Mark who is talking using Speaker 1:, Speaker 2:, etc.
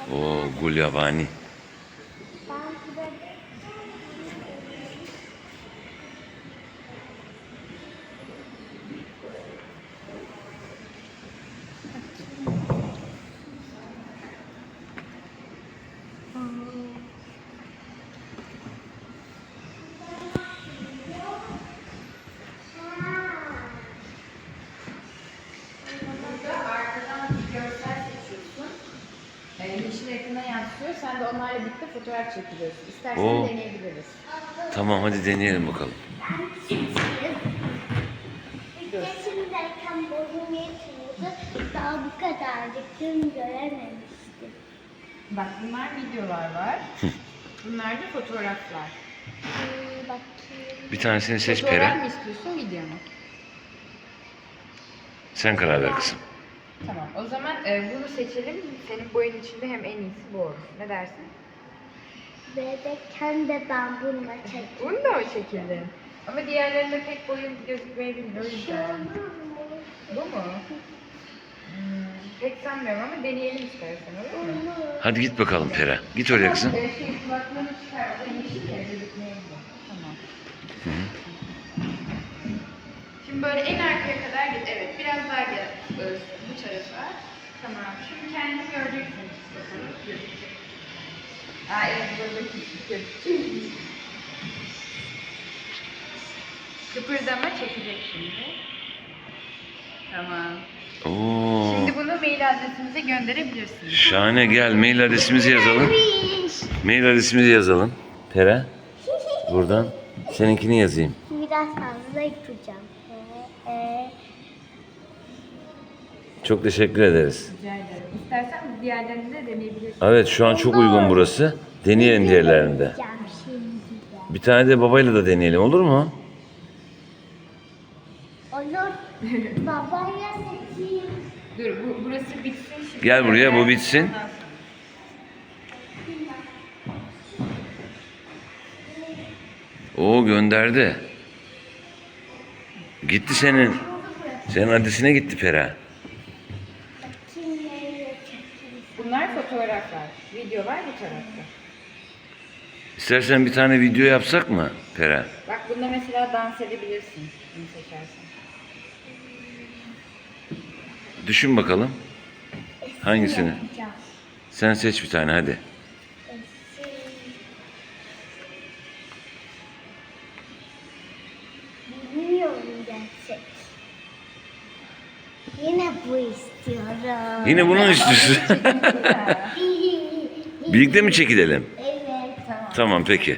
Speaker 1: O gulyabani.
Speaker 2: Yeşil ekrana yansıyor. Sen de onlarla birlikte fotoğraf çekiliyorsun. İstersen
Speaker 1: Oo.
Speaker 2: deneyebiliriz.
Speaker 1: Tamam hadi deneyelim bakalım.
Speaker 3: Yaşımdayken boyum yetmiyordu. Daha bu kadarcık gün görememiştim.
Speaker 2: Bak bunlar videolar var. Bunlar da fotoğraflar.
Speaker 3: Bakayım.
Speaker 1: Bir tanesini seç
Speaker 2: Fotoğraf
Speaker 1: Pera.
Speaker 2: mı istiyorsun, video mu?
Speaker 1: Sen karar ver kızım.
Speaker 2: Tamam. O zaman bunu seçelim. Senin boyun içinde hem en iyisi bu olur. Ne dersin?
Speaker 3: Bebekken de ben bununla çektim.
Speaker 2: Bunu da mı çekildin? Ama diğerlerinde pek boyun gözükmeyebilir. O yüzden. Bu mu? Pek sanmıyorum ama deneyelim istersen, olur mu?
Speaker 1: Hadi git bakalım Pera. Git oraya kızım.
Speaker 2: Kulaklığını çıkar. O da yeşil ya, gözükmeyebilir. Tamam. Şimdi böyle en arkaya kadar git. Evet, biraz daha gel bu tarafa. Tamam. Şimdi kendini göreceksin. Bakalım. Gözükecek. Aa evet, burada gözükecek. Kıpırdama çekecek şimdi. Tamam.
Speaker 1: Oo.
Speaker 2: Şimdi bunu mail adresimize gönderebilirsiniz.
Speaker 1: Şahane, gel mail adresimizi yazalım. Mail adresimizi yazalım. Pera. Buradan seninkini yazayım.
Speaker 3: Biraz fazla yapacağım.
Speaker 1: Çok teşekkür ederiz.
Speaker 2: Rica ederim. İstersen diğerlerini de deneyebilirsin.
Speaker 1: Evet şu an çok uygun burası. Deneyelim diğerlerinde.
Speaker 3: Yapacağım şimdi de.
Speaker 1: Bir tane de babayla da deneyelim, olur mu?
Speaker 3: Olur. Babaya seçeyim.
Speaker 2: Dur burası bitsin şimdi.
Speaker 1: Gel buraya, bu bitsin. Oo, gönderdi. Gitti senin. Senin adresine gitti Pera.
Speaker 3: Bakayım nereye çekeyim.
Speaker 2: Bunlar fotoğraflar. Videolar bu tarafta.
Speaker 1: İstersen bir tane video yapsak mı Pera?
Speaker 2: Bak bunda mesela dans edebilirsin. Bunu seçersen.
Speaker 1: Düşün bakalım. Hangisini?
Speaker 3: Yapacağım.
Speaker 1: Sen seç bir tane hadi.
Speaker 3: Bilmiyorum gerçek. Yine bu istiyorum.
Speaker 1: Yine bunu mu istiyorsun? Birlikte mi çekilelim?
Speaker 3: Evet.
Speaker 1: Tamam peki.